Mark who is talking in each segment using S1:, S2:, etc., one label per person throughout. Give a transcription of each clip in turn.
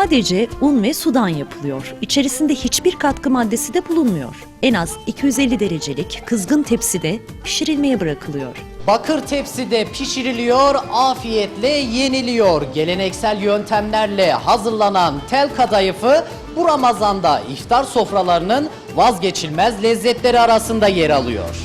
S1: Sadece un ve sudan yapılıyor. İçerisinde hiçbir katkı maddesi de bulunmuyor. En az 250 derecelik kızgın tepside pişirilmeye bırakılıyor.
S2: Bakır tepside pişiriliyor, afiyetle yeniliyor. Geleneksel yöntemlerle hazırlanan tel kadayıfı bu Ramazan'da iftar sofralarının vazgeçilmez lezzetleri arasında yer alıyor.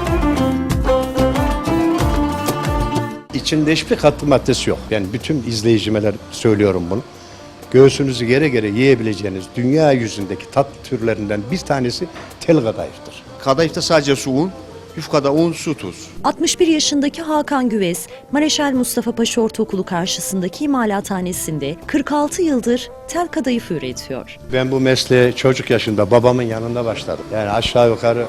S3: İçinde hiçbir katkı maddesi yok. Yani bütün izleyicimeler söylüyorum bunu. Göğsünüzü gere gere yiyebileceğiniz dünya yüzündeki tat türlerinden bir tanesi tel kadayıftır.
S4: Kadayıfta sadece su, un, yufkada un, su, tuz.
S1: 61 yaşındaki Hakan Güvez, Mareşal Mustafa Paşa Ortaokulu karşısındaki imalathanesinde 46 yıldır tel kadayıf üretiyor.
S3: Ben bu mesleğe çocuk yaşında babamın yanında başladım. Yani aşağı yukarı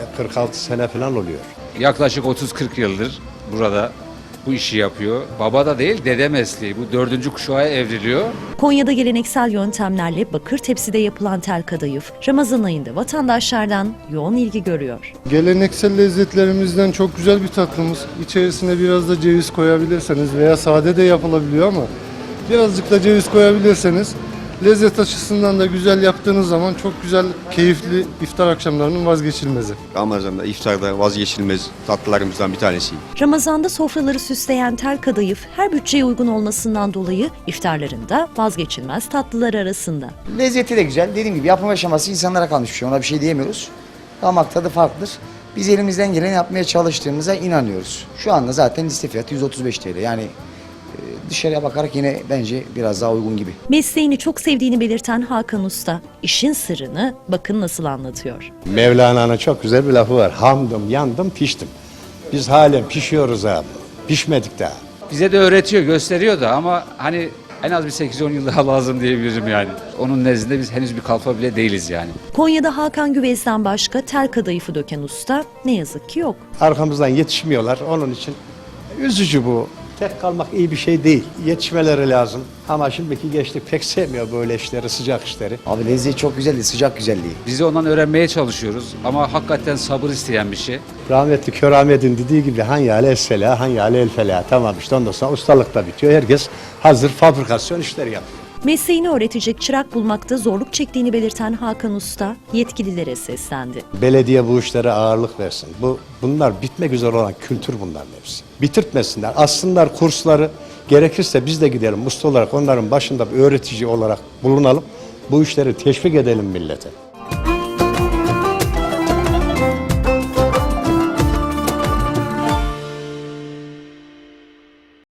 S3: 46 sene falan oluyor.
S5: Yaklaşık 30-40 yıldır burada bu işi yapıyor. Baba da değil, dede mesleği. Bu 4. kuşağa evriliyor.
S1: Konya'da geleneksel yöntemlerle bakır tepside yapılan tel kadayıf, Ramazan ayında vatandaşlardan yoğun ilgi görüyor.
S6: Geleneksel lezzetlerimizden çok güzel bir tatlımız. İçerisine biraz da ceviz koyabilirseniz veya sade de yapılabiliyor ama birazcık da ceviz koyabilirseniz lezzet açısından da güzel yaptığınız zaman çok güzel, keyifli iftar akşamlarının vazgeçilmezi.
S4: Ramazan'da iftarda vazgeçilmez tatlılarımızdan bir tanesi.
S1: Ramazanda sofraları süsleyen tel kadayıf her bütçeye uygun olmasından dolayı iftarlarında vazgeçilmez tatlılar arasında.
S7: Lezzeti de güzel. Dediğim gibi yapım aşaması insanlara kalmış bir şey. Ona bir şey diyemiyoruz. Damak tadı farklıdır. Biz elimizden geleni yapmaya çalıştığımıza inanıyoruz. Şu anda zaten liste fiyatı 135 TL. Yani dışarıya bakarak yine bence biraz daha uygun gibi.
S1: Mesleğini çok sevdiğini belirten Hakan Usta, işin sırrını bakın nasıl anlatıyor.
S3: Mevlana'nın çok güzel bir lafı var. Hamdım, yandım, piştim. Biz halen pişiyoruz abi. Pişmedik daha.
S5: Bize de öğretiyor, gösteriyor da ama hani en az bir 8-10 yıl daha lazım diyebilirim yani. Onun nezdinde biz henüz bir kalfa bile değiliz yani.
S1: Konya'da Hakan Güvez'den başka tel kadayıfı döken usta ne yazık ki yok.
S3: Arkamızdan yetişmiyorlar. Onun için üzücü bu. Tek kalmak iyi bir şey değil. Yetişmeleri lazım. Ama şimdiki gençlik pek sevmiyor böyle işleri, sıcak işleri.
S7: Abi lezzeti çok güzeldi, sıcak güzelliği.
S5: Biz de ondan öğrenmeye çalışıyoruz ama hakikaten sabır isteyen bir şey.
S3: Rahmetli Kör Ahmet'in dediği gibi hanyale essela, hanyale el fela. Tamam işte ondan sonra ustalık da bitiyor. Herkes hazır fabrikasyon işleri yapıyor.
S1: Mesleğini öğretecek çırak bulmakta zorluk çektiğini belirten Hakan Usta yetkililere seslendi.
S3: Belediye bu işlere ağırlık versin. Bunlar bitmek üzere olan kültür bunların hepsi. Bitirtmesinler. Aslında kursları gerekirse biz de gidelim usta olarak onların başında bir öğretici olarak bulunalım. Bu işleri teşvik edelim millete.